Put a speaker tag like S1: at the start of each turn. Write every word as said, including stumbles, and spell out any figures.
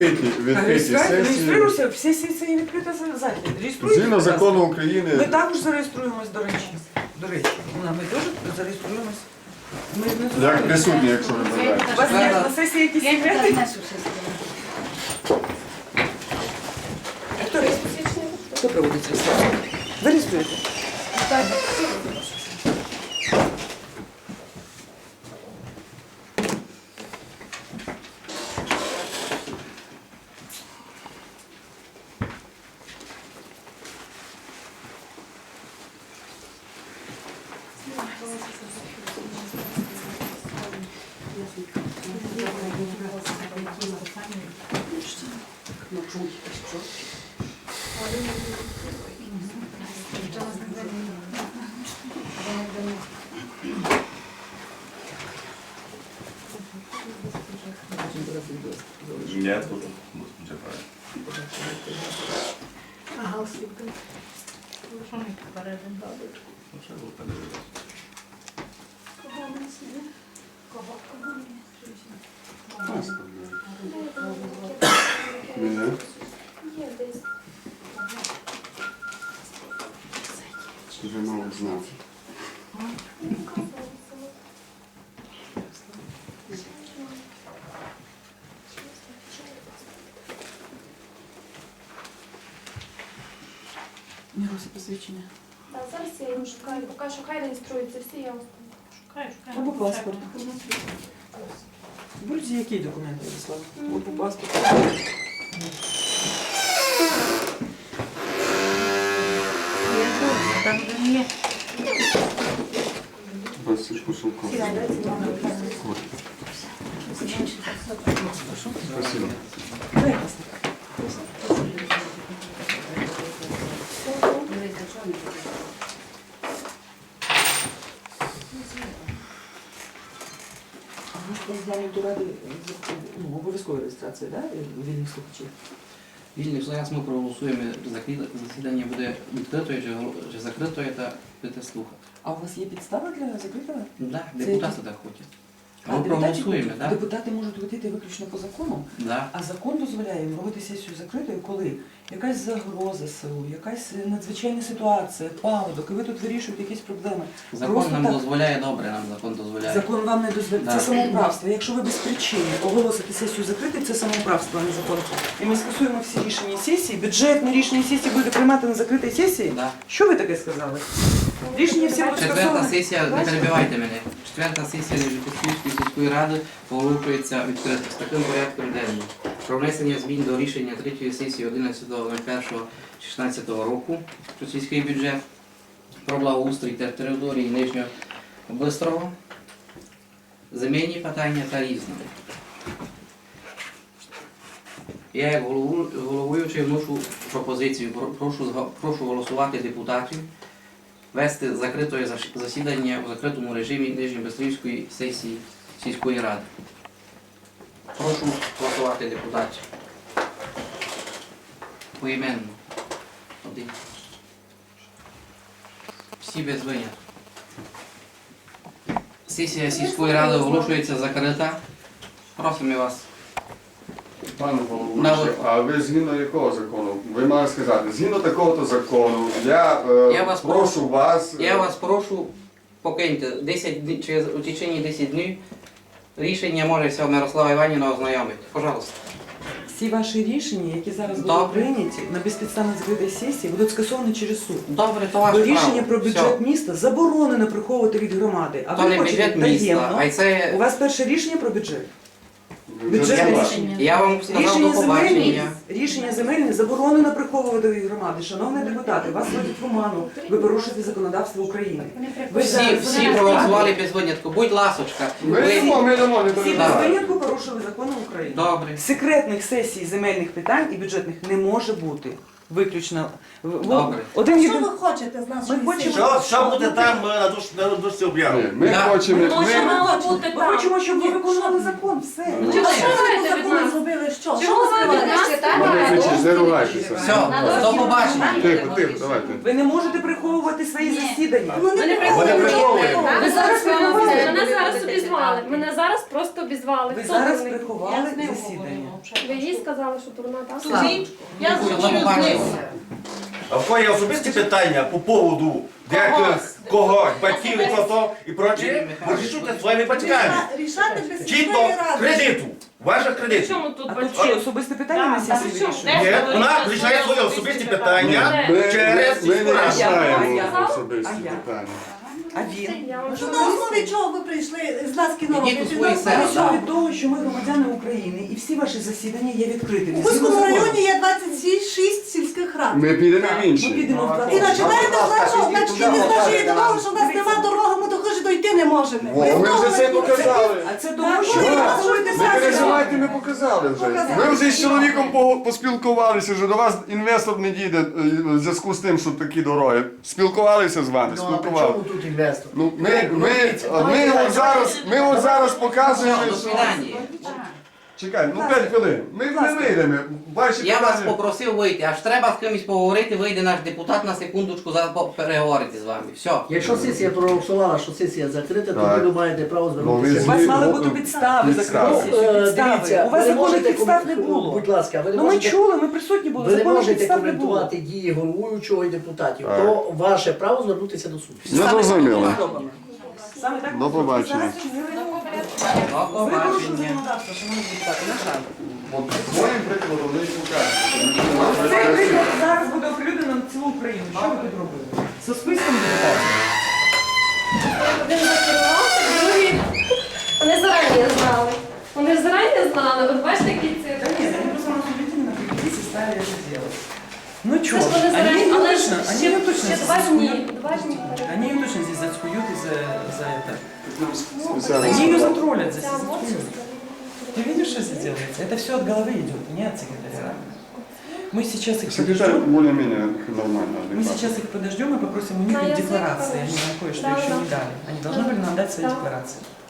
S1: Відкриті сесії.
S2: Реєструємося, всі сесії відкрита захід. Реєструємося.
S1: Згідно закону України.
S2: Ми також зареєструємось, до речі. До речі, ми теж зареєструємось. Ми не
S1: Як присутні, якщо ви бажаєте.
S2: У вас є на сесії якісь
S3: Я не
S2: секрети?
S3: знаю, що все
S2: Хто реєструє? Хто проводить реєстрацію? Ви реєструєте?
S4: Ні, тут вже правильно.
S3: Ага, освітло. Що ми попередимо бабочку?
S4: Ну, ще було подивитися.
S3: Кого у нас є? Кого? Кого є?
S1: Мене.
S3: Є десь.
S1: Вже мало знати.
S2: Міруся посвідчення.
S5: Так, зараз я їм шукаю, поки що хай реєструються всі, я вас
S3: Шукаю, шукаю.
S2: Або паспорт. Будь-які які документи, Ярослав? Або паспорт.
S3: Я тут, там де є.
S1: Василько Шелко. Спасибо.
S2: Дай паспорт. До ради ну, обов'язкова реєстрація, да? Вільних слухачів.
S6: Вільний зараз ми проголосуємо, закрите засідання буде відкритою чи, гол- чи закритою, та будете слухати.
S2: А у вас є підстава для закритого?
S6: Да,
S2: Це
S6: депутати
S2: які?
S6: так хочуть.
S2: А
S6: Ми
S2: депутатів-
S6: проголосуємо, так?
S2: Депутати можуть хотіти виключно по закону,
S6: Да.
S2: а закон дозволяє їм робити сесію закритою, коли якась загроза селу, якась надзвичайна ситуація, паводок, і ви тут вирішуєте якісь проблеми.
S6: Закон
S2: Просто
S6: нам
S2: так.
S6: дозволяє, добре нам закон дозволяє.
S2: Закон вам не дозволяє.
S6: Да.
S2: Це самоуправство. Якщо ви без причини оголосите сесію закритою, це самоуправство, а не закон. І ми скасуємо всі рішення сесії. Бюджетне рішення сесії буде приймати на закритій сесії.
S6: Да.
S2: Що ви таке сказали? Рішення всі будуть
S6: Четверта
S2: скасовані.
S6: сесія, не перебивайте мене. Четверта сесія Нижньопосільської сільської ради оголошується відкрито з таким порядком денним. Про внесення змін до рішення третьої сесії одинадцятого першого шістнадцятого року про сільський бюджет, про благоустрій та території Нижнього Бистрого, земельні питання та різне. Я як голову- головуючий вношу пропозицію, Про- прошу, зга- прошу голосувати депутатів, вести закрите заш- засідання у закритому режимі Нижньобистрівської сесії сільської ради. Прошу голосувати депутатів. Поіменно. Один. Всі без винятку. Сесія сільської ради оголошується закрита. Просимо вас.
S1: Пане
S6: На
S1: головуючий,
S6: ви-
S1: а ви згідно якого закону? Ви маєте сказати, згідно такого-то закону, я, е,
S6: Я вас
S1: прошу вас... е,
S6: Я вас прошу, покиньте десять днів, через у течение десять днів рішення може вся Мирослава Іванівна ознайомити. Пожалуйста.
S2: Всі ваші рішення, які зараз будуть
S6: Добре.
S2: прийняті на безпідставно закритій сесії, будуть скасовані через суд.
S6: Добре, то
S2: Бо
S6: ваше право.
S2: рішення про бюджет
S6: Все.
S2: міста заборонено приховувати від громади. А
S6: То
S2: ви
S6: не
S2: хочете
S6: бюджет міста,
S2: таємно.
S6: а й
S2: У
S6: це...
S2: вас перше рішення про бюджет.
S1: бюджет
S2: бюджетне
S1: ваш.
S2: рішення.
S6: Я вам сказав
S2: Рішення
S6: до
S2: земельні,
S6: побачення.
S2: рішення земельне заборонено приховувати від громади. Шановні депутати, вас вводять в оману. Ви порушуєте законодавство України. Ви
S6: Всі,
S2: зараз-
S6: всі проголосували без винятку. Будь ласочка.
S1: Ми
S6: Ви...
S1: йдемо, ми йдемо, не
S2: Всі без
S1: перебивайте.
S2: винятку порушили закони України.
S6: Добре.
S2: Секретних сесій земельних питань і бюджетних не може бути. Виключно. В-
S6: Добре.
S2: Один
S3: Що
S2: єдин...
S3: ви хочете з нашої
S2: Ми хочемо-
S3: сесії?
S4: Що, що буде там е, на душ- на дошці
S1: Ні,
S4: об'яви?
S1: Ми
S6: Да.
S1: хочемо...
S3: Ну, що
S1: Ми...
S3: мало бути
S2: Ми
S3: там?
S2: хочемо, щоб ви виконували закон. Все.
S1: Ну,
S3: Чи
S5: Що
S3: що
S5: ви
S3: ви
S5: від
S3: законом
S5: нас?
S3: зробили? Що? Що
S5: Чого
S3: ви
S5: ви від
S3: сказали?
S5: нас читаєте?
S1: Вони вичисляють. не ругайтеся.
S6: Все, до побачення.
S1: Тихо, тихо, давайте.
S2: Ви не можете приховувати свої засідання.
S3: Ну, не
S4: Вони
S3: приховуйте.
S4: приховують.
S5: Ви зараз
S2: приховали.
S5: Мене зараз обізвали. Мене зараз просто обізвали.
S2: Ви
S5: Хто
S2: зараз
S5: дурний?
S2: приховали засідання.
S5: Ви їй сказали, що дурна, так?
S3: Я
S6: До побачення.
S4: А в кого є особисті питання по поводу деких когось, батьків і то і прочее, вирішуйте своїми батьками.
S3: Рішати без
S4: Чітко
S3: сільської ради.
S4: кредиту, ваших кредитів.
S5: Чому тут
S2: А тут що, особисте питання на сесії вирішує?
S4: Ні, вона рішає свої особисті питання
S1: Ми,
S4: через
S1: ми, ми
S4: сільську
S1: не
S4: раду.
S1: рішаємо
S2: А я?
S1: особисті
S2: А я?
S1: питання.
S2: А він?
S5: Я вам
S3: Ну, на основі чого ви прийшли з нас кіно
S6: Ідіть у
S3: робити?
S6: свої
S3: На
S6: села,
S3: основі
S2: Що
S3: чого?
S2: від того, що ми громадяни України і всі ваші засідання є відкритими.
S3: У
S2: Згідно
S3: Бузькому
S2: закону.
S3: районі є двадцять шість сільських рад.
S1: Ми підемо в
S2: Ми
S1: інші.
S2: підемо в
S3: І
S2: двадцять.
S3: починаєте з нашого, значить, не з нашої дороги, що в нас нема дороги, ми до хижі дойти не можемо.
S1: О, ми вже це показали.
S2: А це тому, що
S3: Так,
S2: ви
S3: ви
S2: працюєте
S1: Не
S2: зараз.
S1: переживайте, ми показали вже. Ми вже з чоловіком по- поспілкувалися, що до вас інвестор не дійде е, в зв'язку з тим, що такі дороги. Спілкувалися з вами,
S7: Ну, а при
S1: спілкувалися.
S7: чому тут інвестор?
S1: Ну, ми, ми, ми, от зараз, ми от зараз показуємо,
S6: Все, до
S1: що...
S6: свидання.
S1: Чекай, ну п'ять хвилин. Ми не вийдемо. Ваші
S6: Я вас
S1: питання-
S6: попросив вийти, аж треба з кимось поговорити, вийде наш депутат на секундочку, зараз по- переговорити з вами. Все.
S7: Якщо сесія проголосувала, що сесія закрита,
S1: Так.
S7: тоді ви маєте право
S1: Ну,
S7: звернутися.
S2: У вас мали
S1: Ну,
S2: бути підстави
S1: підстави.
S2: закрити
S7: Ну,
S2: сесію.
S7: е,
S2: Підстави.
S7: дивіться,
S2: У вас
S7: ви не
S2: законних
S7: можете
S2: підстав не
S7: комент-
S2: було.
S7: Будь ласка, ви не
S2: Ну ми
S7: можете,
S2: чули, ми присутні були.
S7: ви не
S2: Законних
S7: можете
S2: підстав не було.
S7: коментувати дії головуючого і депутатів.
S1: Так.
S7: То ваше право звернутися до суду.
S1: Не зрозуміло.
S2: Саме так
S1: До побачення.
S2: Зараз чинили.
S6: До
S2: Ви порушили
S6: побачення.
S2: законодавство, шановні депутати, на жаль.
S1: От своїм прикладом не покажете.
S2: Цей приклад зараз буде оприлюднено на цілу Україну. Що ви тут робили? Со списком депутатів.
S5: Один закерувався, другий. Вони зарані знали. Вони зарані знали. От бачите, які
S2: Да
S5: цифри.
S2: нет, они просто рассудительно определились и стали это делать. Ну
S5: Це
S2: чё,
S5: ж вони
S2: они
S5: зарані,
S2: ее
S5: але ж
S2: точно, они
S5: ще,
S2: ее точно
S5: ще
S2: здесь
S5: два дні.
S2: заскуют.
S5: Два дні.
S2: Они ее точно здесь заскуют и за, за это.
S1: Спеціально.
S2: Они ее затроллят здесь,
S5: Ця
S2: и заскуют.
S5: емоція.
S2: Ты видишь, что здесь делается? Это все от головы идет, не от секретаря. Мы сейчас их
S1: Секретарь
S2: подождем.
S1: более-менее нормально.
S2: Мы
S1: адекватно.
S2: сейчас их подождем и попросим у них
S5: На язык,
S2: декларации. Они
S5: конечно.
S2: нам кое-что
S5: Да,
S2: еще
S5: да.
S2: не дали. Они должны были нам дать свои
S5: Да.
S2: декларации.